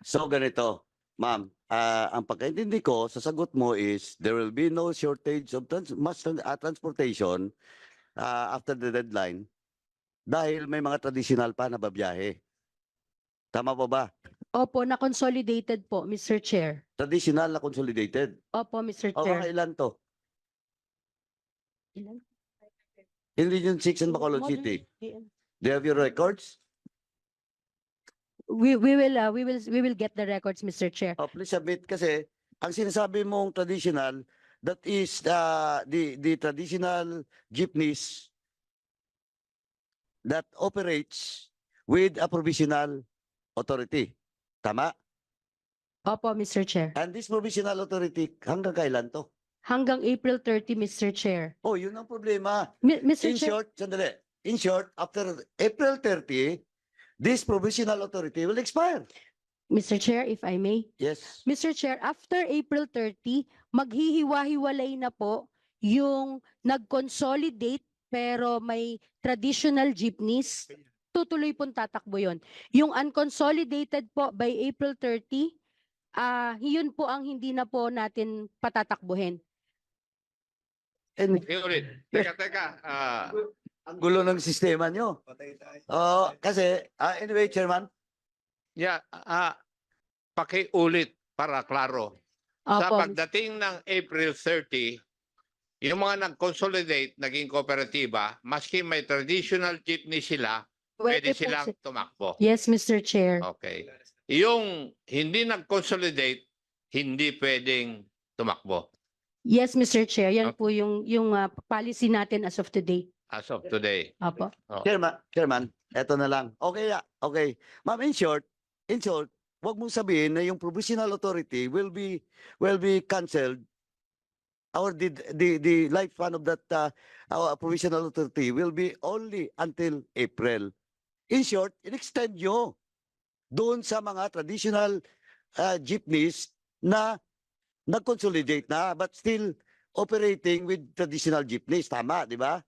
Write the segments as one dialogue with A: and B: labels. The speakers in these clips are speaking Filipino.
A: So ganito, ma'am, ang pagkaintindi ko sa sagot mo is there will be no shortage of transportation after the deadline dahil may mga traditional pa na babiyahe. Tama po ba?
B: Opo, na-consolidated po, Mr. Chair.
A: Traditional na consolidated.
B: Opo, Mr.
A: O
B: Chair.
A: mga ilan to?
B: Ilan?
A: Hindi yung 6 in Bacolod City. Do you have your records?
B: We will get the records, Mr. Chair.
A: Oh, please submit kasi ang sinasabi mong traditional, that is the traditional jeepneys that operates with a provisional authority. Tama?
B: Opo, Mr. Chair.
A: And this provisional authority, hanggang kailan to?
B: Hanggang April 30, Mr. Chair.
A: Oh, yun ang problema.
B: Mr.
A: In
B: Chair,
A: short, sandali. In short, after April 30, this provisional authority will expire.
B: Mr. Chair, if I may.
A: Yes.
B: Mr. Chair, after April 30, maghihiwa-hiwalay na po yung nag-consolidate pero may traditional jeepneys. Tutuloy pong tatakbo yun. Yung unconsolidated po by April 30, yun po ang hindi na po natin patatakbuhin.
A: And
C: Ulit. Teka.
A: ang gulo ng sistema nyo. Oh, kasi, anyway, Chairman,
C: Yeah, pakiulit para klaro. Sa
B: Opo,
C: pagdating ng April 30, yung mga nag-consolidate, naging kooperatiba, maski may traditional jeepney sila, pwede
B: po
C: silang tumakbo.
B: Yes, Mr. Chair.
C: Okay. Yung hindi nag-consolidate, hindi pwedeng tumakbo
B: Yes, Mr. Chair. Yan
C: Okay.
B: po yung policy natin as of today.
C: as of today.
B: Opo.
A: Chairman, eto na lang. Okay, okay. Ma'am, in short, wag mong sabihin na yung provisional authority will be cancelled or the lifespan of that our provisional authority will be only until April. In short, in-extend nyo doon sa mga traditional jeepneys na nag-consolidate na but still operating with traditional jeepneys. Tama, di ba?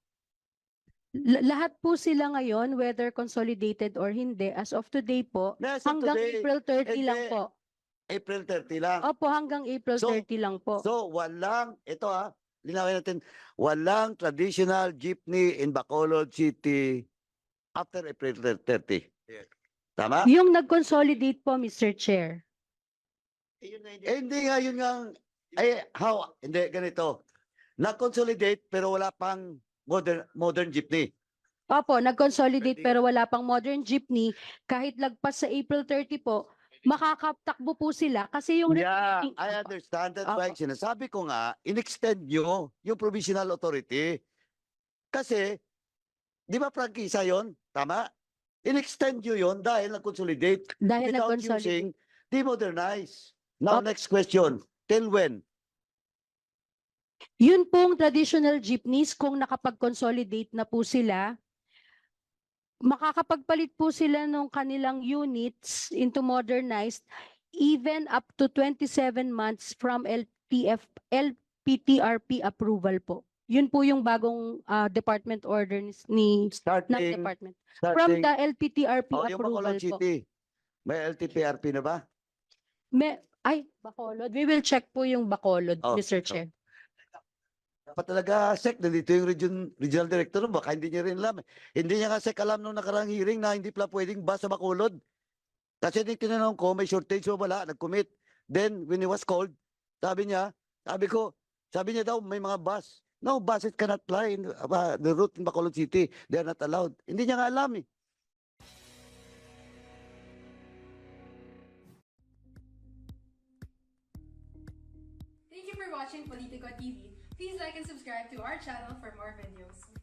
B: Lahat po sila ngayon, whether consolidated or hindi, as of today po,
A: As of
B: hanggang
A: today,
B: April 30 lang
A: hindi.
B: po.
A: April 30 lang.
B: Opo, hanggang April
A: So-
B: 30 lang po.
A: So walang, linawin natin, walang traditional jeepney in Bacolod City after April 30. Tama?
B: Yung nag-consolidate po, Mr. Chair.
A: Hindi nga, yun nga, hindi, ganito. Na-consolidate pero wala pang modern jeepney.
B: Opo, nag-consolidate pero wala pang modern jeepney. Kahit lagpas sa April 30 po, makakatakbo po sila kasi yung
A: Yeah,
B: remaining-
A: I
B: Opo.
A: understand that. Why
B: Opo.
A: sinasabi ko nga, in-extend nyo yung provisional authority. Kasi, di ba prangkisa yun? Tama? In-extend nyo yun dahil nag-consolidate
B: Dahil
A: without
B: nag-consolidate.
A: using demodernize. Now,
B: Opo.
A: next question. Till when?
B: Yun pong traditional jeepneys, kung nakapag-consolidate na po sila, makakapagpalit po sila ng kanilang units into modernized even up to 27 months from LPTRP approval po. Yun po yung bagong department order ng
A: Starting,
B: department. From the LPTRP
A: yung
B: approval
A: Bacolod
B: po.
A: City. May LTPRP na ba?
B: Bacolod. We will check po yung Bacolod,
A: Oh,
B: Mr. Chair.
A: Dapat talaga, SEC, nandito yung regional director, baka hindi niya rin alam. Hindi niya nga SEC alam nung nakarang hearing na hindi pala pwedeng bus sa Bacolod. Kasi tinanong ko, may shortage o wala, nag-commit. Then, when he was called, sabi niya daw, may mga bus. No, buses cannot fly in the route in Bacolod City. They are not allowed. Hindi niya nga alam eh.
D: Thank you for watching Politico TV. Please like and subscribe to our channel for more videos.